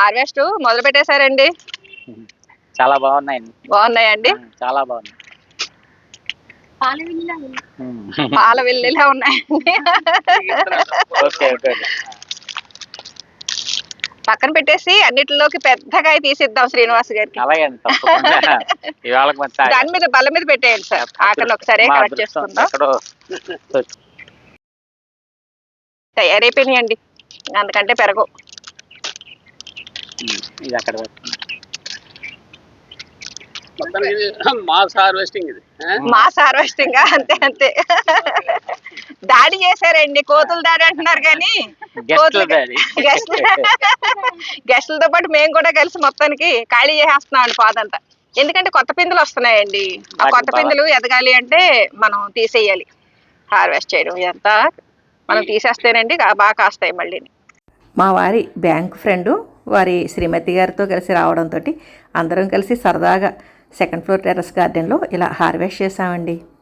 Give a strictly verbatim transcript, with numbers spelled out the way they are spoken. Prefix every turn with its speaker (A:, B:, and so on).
A: Harvest మొదలు పెట్టేశారండి?
B: చాలా బాగున్నాయండి.
A: బాగున్నాయండి?
B: చాలా బాగున్నాయి.
A: పాల వెల్లిలా ఉన్నాయండి.
B: Okay okay.
A: పక్కన పెట్టేసి అన్నిటిలోకి పెద్దకాయ తీసిద్దాం శ్రీనివాస్ గారికి.
B: అలాగే అండి, తప్పకుండా. ఇవాళ
A: దాని మీద బల్ల మీద పెట్టేయండి సార్. ఆకలి ఒకసారి కరెక్ట్ చేసుకుందాం. తయారైపోయినాయండి, అందుకంటే పెరగవు.
B: ఇది అక్కడ
C: మాస్ హార్వెస్టింగ్ ఇది
A: మాస్ హార్వెస్టింగ్ అంతే అంతే. దాడి చేశారండి, కోతులు దాడి అంటున్నారు కానీ గెస్టులతో పాటు మేము కూడా కలిసి మొత్తానికి ఖాళీ చేసేస్తున్నాం అండి పాదంతా. ఎందుకంటే కొత్త పిందులు వస్తున్నాయండి. ఆ కొత్త పిందులు ఎదగాలి అంటే మనం తీసేయాలి. హార్వెస్ట్ చేయడం ఇదంతా మనం తీసేస్తేనండి బాగా కాస్తాయి మళ్ళీ.
D: మా వారి బ్యాంక్ ఫ్రెండు వారి శ్రీమతి గారితో కలిసి రావడంతో అందరం కలిసి సరదాగా సెకండ్ ఫ్లోర్ టెర్రస్ గార్డెన్లో ఇలా హార్వెస్ట్ చేసామండి.